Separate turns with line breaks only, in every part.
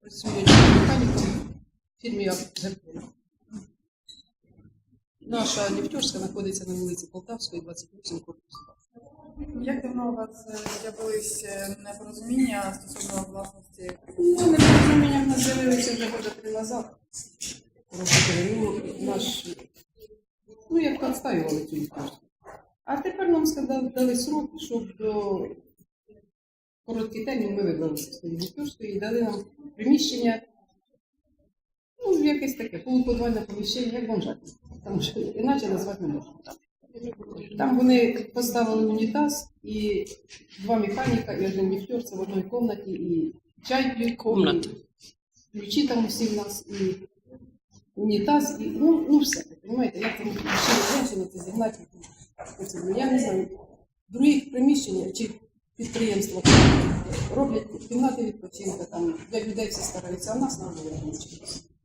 Працює механіком в фірмі «Газпром». Наша ліфтерська знаходиться на вулиці Полтавської, 28 корпус.
Як давно у вас з'явились непорозуміння стосовно власності?
Ну, непорозуміння в нас з'явилися вже года 3 назад. Як відстаювали цю ліфтерську. А тепер нам дали срок, щоб до короткий термін ми вибралися з тієї ліфтерської і дали нам приміщення, якесь таке, полуподвальне поміщення, як бомжатне. Тому що іначе назвати не можна. Там вони поставили унітаз і 2 механіка і 1 ліфтер, це в одній кімнаті, і чай п'ють, і ключі там усі в нас, і унітаз, і все. Понимаєте, як там ще женщина це зігнати. Я не знаю, в других приміщеннях чи підприємства роблять кімнати відпочинку, там для людей всі стараються, а в нас на приміщення.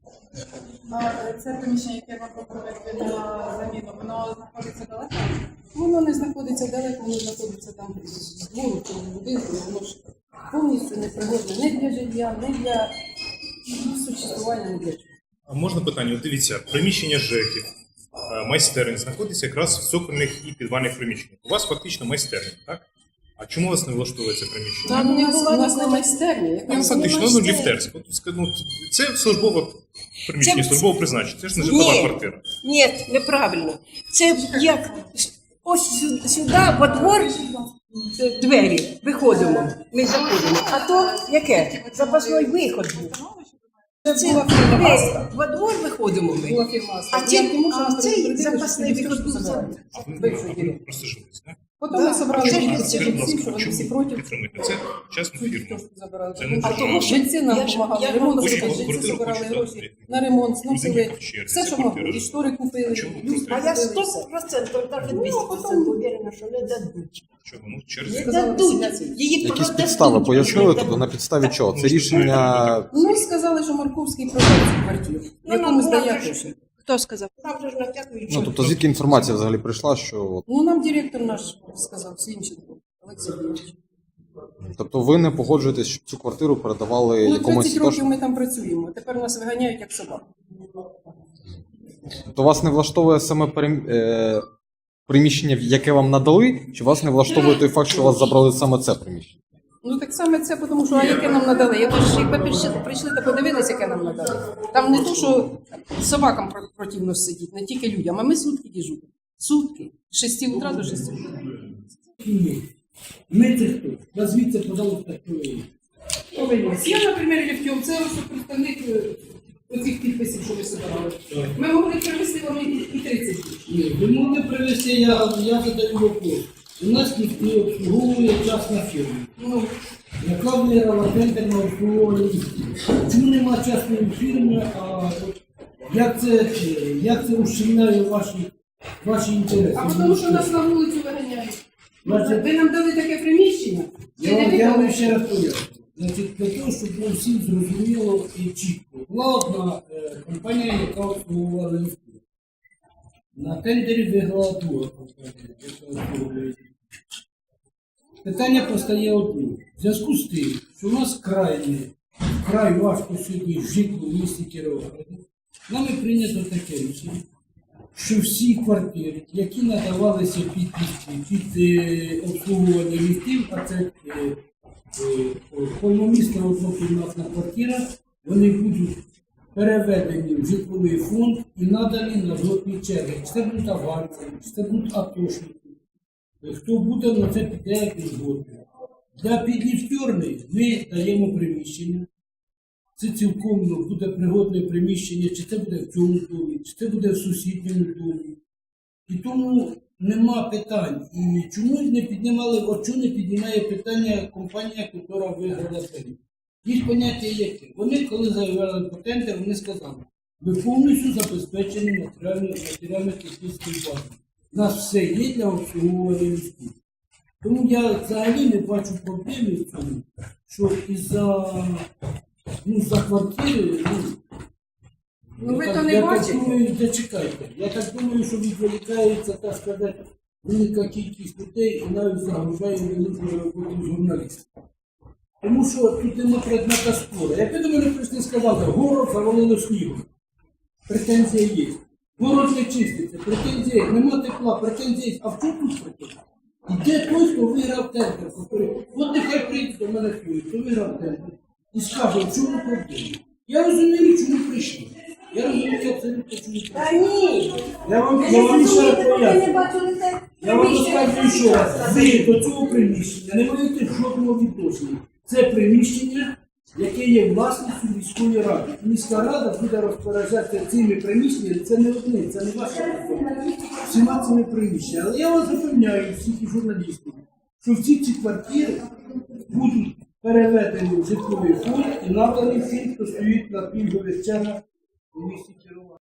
Це приміщення, яке вам пропонують на заміну, воно знаходиться далеко?
Воно не знаходиться далеко, воно знаходиться там з двору чи в будинку, воно ж повністю непригодне не для життя, не для существування, не для чого.
А можна питання? От дивіться, приміщення ЖЕКів, майстерень знаходиться якраз в цокольних і підвальних приміщеннях. У вас фактично майстерня, так? А чому вас не влаштовує це приміщення?
Там у нас не майстерня.
Фактично, ліфтерська. Це службове приміщення, службове призначення. Це ж не житлова квартира.
Ні, неправильно. Це як ось сюди, во двор, двері, виходимо, ми заходимо. А то яке? Запасний виход був. Це двері, во двор виходимо ми.
Була фірма.
А цей запасний виход був.
А ви просто жились, так?
Потім ми зібрали жильці,
Скажіть, будь
що
ласка,
вони всі
чому
проти.
підтримуєте? Це частна фірма. Це не
А
держава.
тому жильці нам допомагали, ремонт
Хочуть
зробити, жильці
квартиру,
збирали
хочуть
гроші
дати.
на ремонт, зносили
Будинок в черзі,
все,
це
що могли.
квартира.
І штори купили,
Чому
люстри
просто?
А я
купили,
100%, навіть 200% уверена, що не дадуть.
Чого? Ну, в черзі.
Не
Сказали,
дадуть.
василяці.
Її
Якісь
продадуть.
підстави пояснили, тобто на підставі чого? Це рішення.
Ну, сказали, що Марковський продав цю квартиру, якому здає гроші.
Хто сказав? Там вже ж натякують.
Ну тобто звідки інформація взагалі прийшла, що от,
Ну, нам директор наш сказав, Свінченко, Олексій Юрійович.
тобто ви не погоджуєтесь, щоб цю квартиру передавали
Ну,
якомусь
30 років ми там працюємо, тепер нас виганяють як собак.
Тобто вас не влаштовує саме приміщення, яке вам надали, чи вас не влаштовує той факт, що вас забрали саме це приміщення?
Ну так саме це, тому що, а яке нам надали? Якби прийшли та подивилися, яке нам надали. Там не то, що собакам противно сидіти, не тільки людям, а ми сутки дежуримо. Сутки. З 6 утра до 6 утра.
Ми це хто? Назвіться, пожалуйста, хто ви є.
Я, наприклад, Лівтьов, це ось представник оцих підписів, що ви збирали. Ми могли привезти вам і 30 днів.
Ні, ви могли привезти, я задаю вопрос. У нас ніхто не обслуговує частна фірма.
Ну,
Яка виграла тендер на обслуговування ліфтів? Чому нема частної фірми, а як це ущемляє ваші інтереси?
а тому що нас на вулицю виганяють.
Значить,
Ви нам дали таке приміщення,
Я вам ще раз поясню. Значить, для того, щоб було всім зрозуміло і чітко. Була одна компанія, яка обслуговувала ліфти. На тендері виграла друга компанія, яка обслуговує ліфти. Питання постає одне. В зв'язку з тим, що у нас край важко сьогодні жити в місті Кіровограді, нами прийнято таке рішення, що всі квартири, які надавалися під обслуговування ліфтів, а це повномісна однокімнатна квартира, вони будуть переведені в житловий фонд і надані на жодні черги. Чи це будуть афганці, чи це будуть атошники. Хто буде, на це піде як згодом. Для підліфтерної ми даємо приміщення. Це цілком буде пригодне приміщення, чи це буде в цьому домі, чи це буде в сусідньому домі. І тому нема питань. І чому не піднімали, чому не піднімає питання компанія, яка виграла тендер? Їх поняття яке? Вони, коли заявляли по тендер, вони сказали, ви повністю забезпечені матеріально-технічною базою. У нас все є для обслуговування ліфтів. Тому я взагалі не бачу проблеми в цьому, що за квартири,
Ну ви то не бачите.
Зачекайте. Я так думаю, що відволікається, так сказати, велика кількість людей і навіть загружає великою роботу журналістів. Тому що тут нема предмета спору. Якби до мене прийшли і сказали, город завалило снігом, претензія є. Город не чиститься, претензія є. Нема тепла, претензія є. А в чому тут претензія? І де той, хто виграв тендер? От нехай прийде до мене той, хто виграв тендер, і скаже, в чому проблема. Я розумію, чому прийшли. Я розумію абсолютно, чому прийшли.
Та ні.
Я вам ще раз поясню. Я вам розказую ще раз. Ви до цього приміщення не маєте жодного відношення. Це приміщення, яке є власністю міської ради. І міська рада буде розпоряджатися цими приміщеннями. Це не одне, це не ваша проблема. Всіма цими приміщеннями. Але я вас запевняю, всіх і журналістів, що всі ці квартири будуть переведені в житловий фонд і надані всім, хто стоїть на пільгових чергах у місті Кіровоград.